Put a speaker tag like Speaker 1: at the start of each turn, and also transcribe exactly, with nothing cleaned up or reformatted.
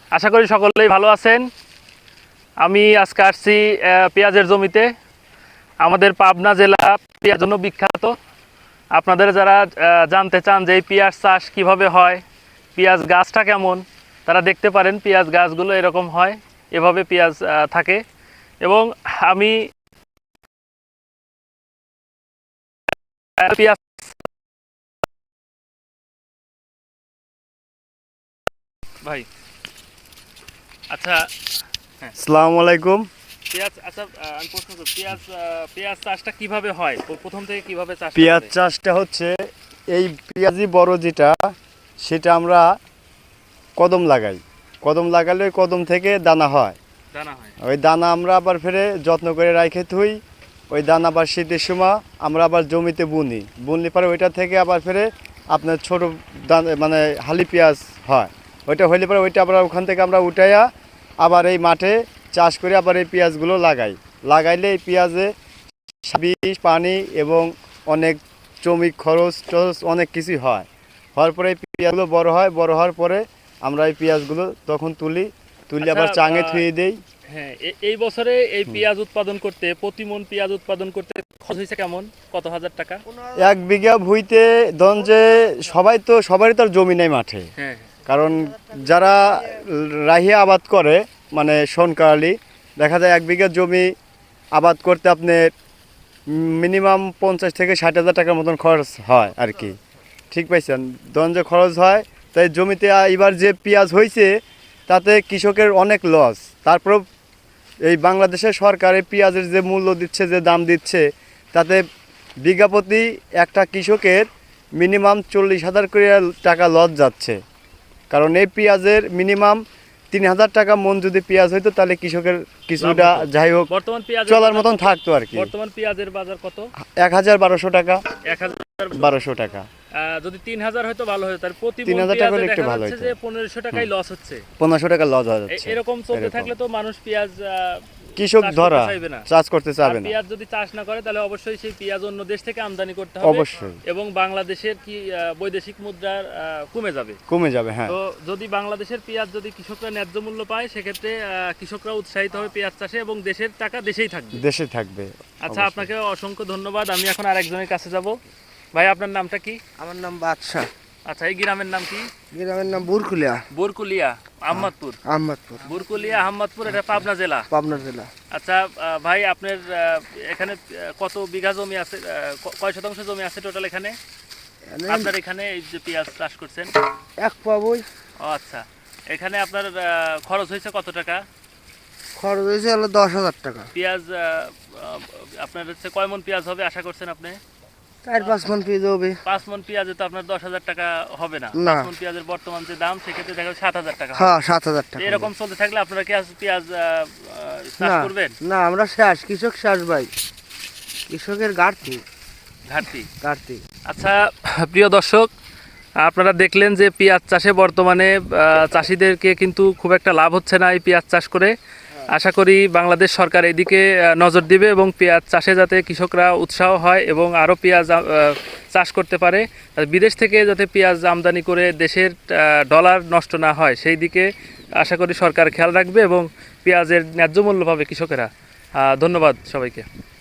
Speaker 1: আশা করি সকলেই ভালো আছেন। আমি আজকে আসছি পেঁয়াজের জমিতে। আমাদের পাবনা জেলা পেঁয়াজের জন্য বিখ্যাত। আপনাদের যারা জানতে চান যে এই পেঁয়াজ চাষ কীভাবে হয়, পেঁয়াজ গাছটা কেমন, তারা দেখতে পারেন পেঁয়াজ গাছগুলো এরকম হয়, এভাবে পেঁয়াজ থাকে। এবং আমি পেঁয়াজ ভাই আচ্ছা হ্যাঁ
Speaker 2: আসসালামু আলাইকুম।
Speaker 1: পেঁয়াজ আচ্ছা আমি প্রশ্ন করি, পেঁয়াজ পেঁয়াজ চাষটা কিভাবে হয়, প্রথম থেকে কিভাবে চাষ?
Speaker 2: পেঁয়াজ চাষটা হচ্ছে এই পেঁয়াজি বড় যেটা, সেটা আমরা কদম লাগাই। কদম লাগালে ওই কদম থেকে দানা হয়।
Speaker 1: দানা হয়।
Speaker 2: ওই দানা আমরা আবার ফেরে যত্ন করে রাখে থুই। ওই দানা আবার শীতের সময় আমরা আবার জমিতে বুনি। বুনলে পরে ওইটা থেকে আবার ফেরে আপনার ছোটো দানা মানে হালি পেঁয়াজ হয়। ওইটা হইলে পরে ওইটা আবার ওখান থেকে আমরা উঠাইয়া আবার এই মাঠে চাষ করে আবার এই পেঁয়াজগুলো লাগাই। লাগাইলে এই পেঁয়াজে বিষ পানি এবং অনেক শ্রমিক খরচ টরচ অনেক কিছুই হয়। হওয়ার পরে এই পেঁয়াজগুলো বড় হয়। বড় হওয়ার পরে আমরা এই পেঁয়াজগুলো তখন তুলি তুলি আবার চাঙে থুয়ে দেই।
Speaker 1: হ্যাঁ, এই বছরে এই পেঁয়াজ উৎপাদন করতে, প্রতি মন পেঁয়াজ উৎপাদন করতে খরচ হয়েছে কেমন, কত হাজার টাকা?
Speaker 2: এক বিঘা ভুঁইতে ধরুন যে সবাই তো সবারই তো আর জমি নেই মাঠে।
Speaker 1: হ্যাঁ,
Speaker 2: কারণ যারা রাহিয়া আবাদ করে মানে সোনকালি, দেখা যায় এক বিঘা জমি আবাদ করতে আপনার মিনিমাম পঞ্চাশ থেকে ষাট হাজার টাকার মতন খরচ হয় আর কি। ঠিক পাইছেন? ধরুন যে খরচ হয়, তাই জমিতে এবার যে পেঁয়াজ হয়েছে তাতে কৃষকের অনেক লস। তারপর এই বাংলাদেশের সরকার এই পেঁয়াজের যে মূল্য দিচ্ছে, যে দাম দিচ্ছে, তাতে বিঘা প্রতি একটা কৃষকের মিনিমাম চল্লিশ হাজার করে টাকা লস যাচ্ছে। কারণ এই পেঁয়াজের মিনিমাম তিন হাজার টাকা মন যদি পেঁয়াজ হইতো তাহলে কৃষকের কিছুটা যাই হোক
Speaker 1: বর্তমান পেঁয়াজ
Speaker 2: চলার মতন থাকতো আর কি।
Speaker 1: বর্তমান পেঁয়াজের বাজার কত?
Speaker 2: এক হাজার বারোশো টাকা।
Speaker 1: এক হাজার
Speaker 2: বারোশো টাকা।
Speaker 1: যদি তিন হাজার হয়তো ভালো হতো, তার প্রতি
Speaker 2: তিন হাজার টাকা একটু ভালো হতো।
Speaker 1: যে পনেরোশো টাকাই লস হচ্ছে।
Speaker 2: পনেরোশো টাকা লস হয়ে যাচ্ছে।
Speaker 1: এরকম চলতে থাকলে তো মানুষ পেঁয়াজ
Speaker 2: কৃষক ধরা চাষ করতে চাবে না।
Speaker 1: পেঁয়াজ যদি চাষ না করে তাহলে অবশ্যই সেই পেঁয়াজ অন্য দেশ থেকে আমদানি করতে হবে
Speaker 2: অবশ্যই,
Speaker 1: এবং বাংলাদেশের কি বৈদেশিক মুদ্রার কমে যাবে
Speaker 2: কমে যাবে। হ্যাঁ,
Speaker 1: তো যদি বাংলাদেশের পেঁয়াজ যদি কৃষকরা ন্যায্য মূল্য পায়, সেক্ষেত্রে কৃষকরা উৎসাহিত হবে পেঁয়াজ চাষে এবং দেশের টাকা দেশেই থাকবে।
Speaker 2: দেশে থাকবে।
Speaker 1: আচ্ছা, আপনাকে অসংখ্য ধন্যবাদ। আমি এখন আরেকজনের কাছে যাব। ভাই, আপনার নামটা কি?
Speaker 3: আমার নাম বাদশা।
Speaker 1: আচ্ছা, এই গ্রামের নাম কি?
Speaker 3: গ্রামের নাম বুরকুলিয়া।
Speaker 1: বুরকুলিয়া আহমদপুর।
Speaker 3: আহমদপুর।
Speaker 1: বুরকুলিয়া আহমদপুর, এটা পাবনা জেলা।
Speaker 3: পাবনা জেলা।
Speaker 1: আচ্ছা ভাই, আপনার এখানে কত বিঘা জমি আছে, কয় শতাংশ জমি আছে টোটাল এখানে আপনার এখানে এই যে পেঁয়াজ চাষ করছেন?
Speaker 3: এক পাবই।
Speaker 1: ও আচ্ছা, এখানে আপনার খরচ হয়েছে কত টাকা?
Speaker 3: খরচ হয়েছে হলো দশ হাজার টাকা।
Speaker 1: পেঁয়াজ আপনার হচ্ছে কয় মন পেঁয়াজ হবে আশা করছেন আপনি?
Speaker 3: চার পাঁচ মন পেঁয়াজ হবে।
Speaker 1: পাঁচ মন পেঁয়াজে তো আপনার দশ হাজার টাকা হবে না।
Speaker 3: না,
Speaker 1: পাঁচ মন পেঁয়াজের বর্তমান যে দাম, সেক্ষেত্রে দেখা সাত হাজার টাকা।
Speaker 3: হ্যাঁ, সাত হাজার টাকা।
Speaker 1: এরকম চলতে থাকলে আপনারা কি পেঁয়াজ চাষ করবেন?
Speaker 3: না, আমরা শেষ, কৃষক শেষ ভাই, কৃষকের ঘাটতি
Speaker 1: ঘাটতি
Speaker 3: ঘাটতি।
Speaker 1: আচ্ছা প্রিয় দর্শক, আপনারা দেখলেন যে পেঁয়াজ চাষে বর্তমানে চাষিদেরকে কিন্তু খুব একটা লাভ হচ্ছে না এই পেঁয়াজ চাষ করে। আশা করি বাংলাদেশ সরকার এদিকে নজর দিবে এবং পেঁয়াজ চাষে যাতে কৃষকরা উৎসাহ হয় এবং আরও পেঁয়াজ চাষ করতে পারে, বিদেশ থেকে যাতে পেঁয়াজ আমদানি করে দেশের ডলার নষ্ট না হয়, সেই দিকে আশা করি সরকার খেয়াল রাখবে এবং পেঁয়াজের ন্যায্য মূল্য পাবে কৃষকেরা। ধন্যবাদ সবাইকে।